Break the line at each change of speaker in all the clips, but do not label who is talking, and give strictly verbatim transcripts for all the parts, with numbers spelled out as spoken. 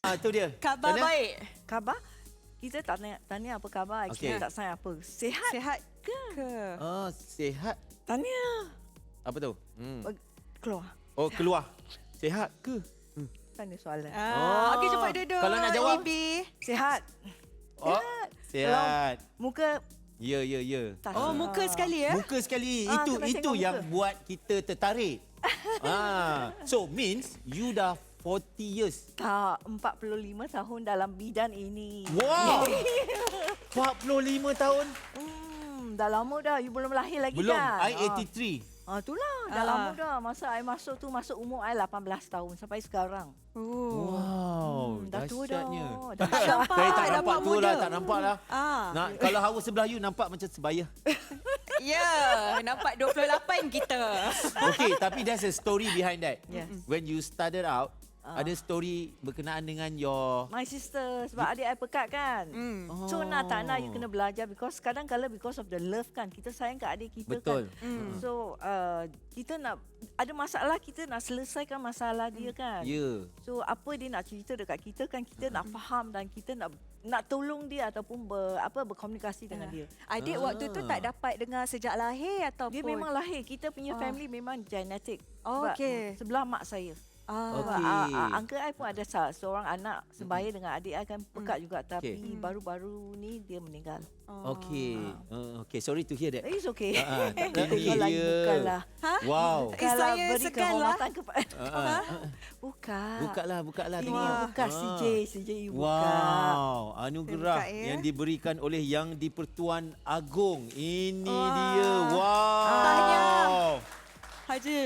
Ah, tu dia.
Khabar
Mana?
baik.
Khabar? Kita tak tanya, tanya apa khabar,
Okey.
kita tak tanya apa. Sihat?
Sihat ke? ke?
Ah, sihat.
Tanya.
Apa tu? Hmm.
Keluar.
Oh, keluar. Sihat ke?
Tanya soalan.
Ah,
Oh.
Okey, cepat duduk.
Kalau nak jawab?
Ibi.
Sihat?
Oh, sihat.
Muka
Ya, ya, ya.
tak
Oh,
sihat.
muka sekali ya?
Muka sekali.
Ah,
itu
kena
itu
tengok
yang
muka.
buat kita tertarik. ah, so means you dah forty years.
Tak, empat puluh lima tahun dalam bidang ini.
Wow. empat puluh lima tahun.
Hmm, dah lama dah. You belum lahir lagi
Belum.
kan?
I eighty-three.
Ah, itulah. Dah
Ah.
lama dah. Masa I masuk tu, masuk umur I lapan belas tahun sampai sekarang.
Oh.
Wow,
Hmm, dah tua dah.
dahsyatnya.
Dah
Tak nampak,
Saya tak
nampak
nampak tua
muda.
lah, tak nampak lah.
Ah.
Nak, kalau hawa sebelah you nampak macam sebaya.
Ya, nampak dua puluh lapan kita.
Okay, tapi there's a story behind that.
Yes.
When you started out,
Ah.
ada story berkenaan dengan your...
My sister, sebab adik I pekat kan.
Hmm.
So nak tak nak you kena belajar because kadang kala because of the love kan, kita sayang kat adik kita
Betul.
kan.
Hmm.
So uh, kita nak ada masalah, kita nak selesaikan masalah dia kan.
Ya. Yeah.
So apa dia nak cerita dekat kita kan, kita nak faham dan kita nak nak tolong dia ataupun ber, apa berkomunikasi dengan dia.
Adik
Ah.
waktu tu tak dapat dengar sejak lahir ataupun?
Dia memang lahir, kita punya
Ah.
family memang genetik.
Oh,
Sebab,
okey.
Sebelah mak saya.
Ah.
Okey.
Uh, uh, uncle I pun ada sa- seorang anak sebaya dengan adik I kan pekat juga tapi
Okey.
baru-baru ni dia meninggal.
Oh.
Okay. Uh, okay, sorry to hear that.
It's okay.
Ah, ah, tak
Kita
ini
tengok lagi
dia.
bukanlah.
Ha?
Wow.
Eh, saya
beri
segan lah.
kehormatan kepada
Ah, ah, ah.
bukan.
Buka lah, buka lah.
Ini
tengok.
yang buka
Ah.
C J, C J you buka.
Wow, anugerah
Buka, ya.
yang diberikan oleh Yang di-Pertuan Agong. Ini
Wah.
dia. Wow.
Tahniah. Haji.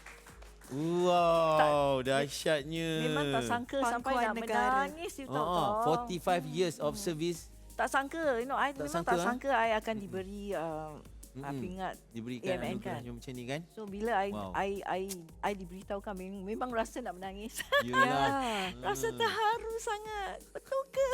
Wow, dahsyatnya.
Memang tak sangka sampai
Pangkuan
nak
negara.
menangis you
Oh,
tahu.
oh, forty-five years of service
Tak sangka, you know, I
Tak
memang
sangka,
tak
ah?
sangka I akan diberi uh, uh,
Mm-mm.
pingat.
diberikan
A M N
anugerah
kan?
yang macam ni kan?
So bila I
Wow.
I I I diberitahukan memang, memang rasa nak menangis.
Yalah.
Rasa terharu sangat. Betul ke?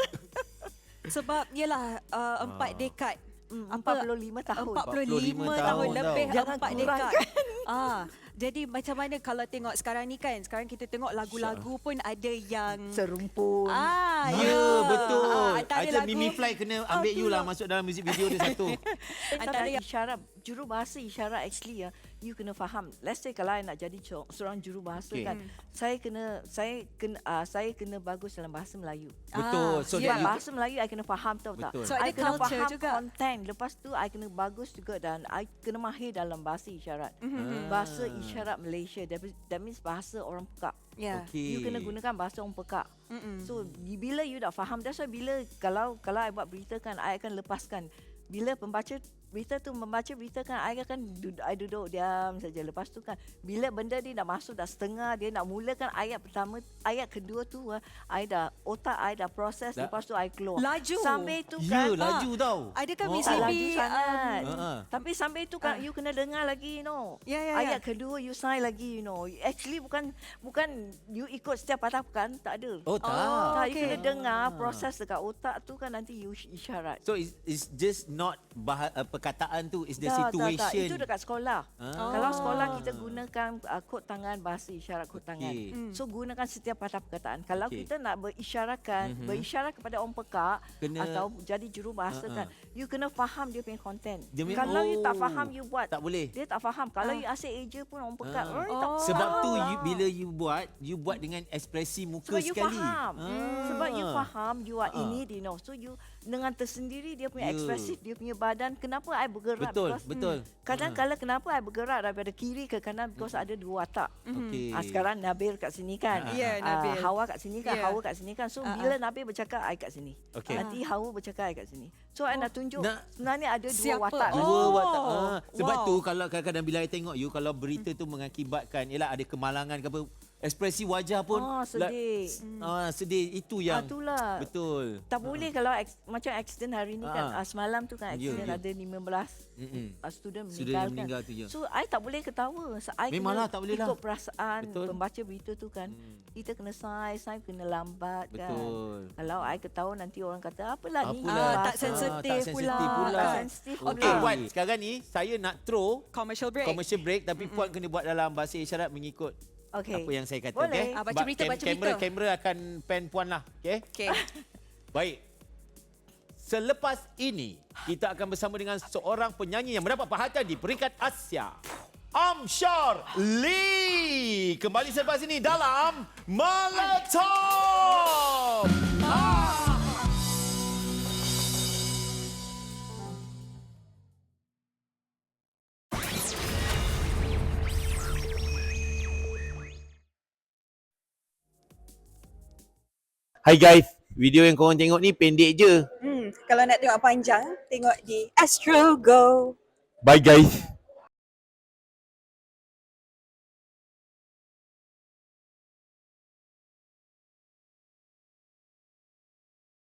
Sebab yelah uh, empat
Ah.
dekad.
Hmm,
Apa?
empat puluh lima tahun.
empat puluh lima
empat puluh lima
tahun
tahun
lebih
tau.
Jangan
empat
kurangkan.
dekad. Ah, jadi macam mana kalau tengok sekarang ni kan? Sekarang kita tengok lagu-lagu pun ada yang
Serumpun.
ah,
Ya, betul.
Ah, antara
Itu
lagu
Mimi Fly kena ambil you lah masuk dalam music video dia satu.
antara
Tapi
yang
isyarat, jurubahasa isyarat actually ya, you kena faham. Let's say kalau I nak jadi co- seorang jurubahasa
Okay.
kan, saya kena saya kena uh, saya kena bagus dalam bahasa Melayu.
Betul. So
Sebab
that you,
bahasa Melayu I kena faham tahu tak?
Betul.
So,
I
ada
kena
culture
faham
juga.
content. Lepas tu I kena bagus juga dan I kena mahir dalam bahasa isyarat.
Mhm.
Bahasa isyarat Malaysia. That, that means bahasa orang pekak.
ya.
okay.
You kena gunakan bahasa orang pekak.
Mm-mm.
So di- bila you dah faham, that's why bila kalau kalau I buat berita kan, I akan lepaskan. Bila pembaca berita tu membaca berita kan, I akan duduk, I duduk diam saja. Lepas tu kan, bila benda dia dah masuk dah setengah, dia nak mulakan ayat pertama, ayat kedua tu, ah, I dah otak I dah proses.
Dah-
Lepas tu I keluar.
Laju.
Sampai tu
Ya,
kan,
laju tau.
Adakah
Oh.
Miss
tak
Ibi
laju sangat.
Ah, ah.
Tapi sampai tu kan,
Ah.
you kena dengar lagi, you know.
Ya, ya, ya.
Ayat kedua you sign lagi, you know. Actually bukan bukan you ikut setiap patah bukan, tak ada.
Oh, tak.
Oh,
Tak,
okey.
you kena dengar proses dekat otak tu kan nanti you ish- isyarat.
So it's, it's just not bah- uh, perkataan tu, it's the
Tak, tak, tak.
situation.
Itu dekat sekolah.
Ah.
Kalau sekolah kita gunakan uh, kod tangan, bahasa isyarat kod tangan.
Okey.
Hmm.
So gunakan setiap patah perkataan. Kalau
Okey.
kita nak berisyaratkan,
Mhm.
berisyarat kepada orang pekak
Kena-
atau jadi jurubahasa
Ah,
kan, you kena faham dia punya content.
Dia punya-
Kalau you tak
oh,
faham you buat,
tak boleh.
dia tak faham. Kalau
Ah.
you asyik eja pun orang pekat,
Ah.
orang tak
Oh.
Sebab
faham
tu
lah.
you, bila you buat, you buat dengan ekspresi muka
Sebab you
sekali.
faham.
Ah.
Sebab you faham you are
Ah.
ini, you know. So you dengan tersendiri dia punya
Ya.
ekspresif, dia punya badan. Kenapa I bergerak?
Betul,
Because,
betul.
Kadang-kadang kenapa I bergerak daripada kiri ke kanan because ada dua watak.
Okey.
Ah, sekarang Nabil kat sini kan.
Ah,
Ya,
Ah,
Nabil.
Hawa kat sini kan,
Ya.
Hawa kat sini kan. So
Ah,
bila Nabil bercakap, I kat sini.
Okey.
Nanti Hawa bercakap, I kat sini. So I nak tunjuk
Nak-
sebenarnya ada dua
Siapa?
watak.
Oh.
Dua watak. Ah, sebab
wow.
tu kalau kadang-kadang bila I tengok you, kalau berita tu mengakibatkan, yalah ada kemalangan ke apa, ekspresi wajah pun
Oh, sedih.
La, ah, sedih itu yang
Ah, itulah.
betul.
Tak boleh kalau aks, macam accident hari ni kan.
Ah.
Ah, semalam tu kan
Ya,
accident
ya.
ada lima belas
Mm-mm.
uh, student
Student
meninggal
yang
kan.
meninggal tu, ya.
So I tak boleh ketawa. So, I
Memanglah,
kena
tak boleh
ikut
lah.
perasaan
Betul.
pembaca berita tu kan.
Hmm.
Kita kena sign, sign kena lambat kan.
Betul.
Kalau I ketawa nanti orang kata apalah ni.
Apalah.
Ah, tak
bahasa."
sensitif
tak
pula.
sensitif pula.
Tak sensitif pula.
Okey, Puan, sekarang ni saya nak throw
Commercial break.
commercial break tapi Puan kena buat dalam bahasa isyarat mengikut
Okey.
apa yang saya kata.
Boleh.
Okay?
Ah, baca
Sebab
berita, baca
kamera,
berita.
Kamera akan pen puan lah. Okay?
Okey.
Baik. Selepas ini, kita akan bersama dengan seorang penyanyi yang mendapat perhatian di peringkat Asia. Amshar Lee. Kembali selepas ini dalam Meletup. Ah. Hai guys, video yang korang tengok ni pendek je.
Hmm, kalau nak tengok panjang, tengok di Astro Go.
Bye guys.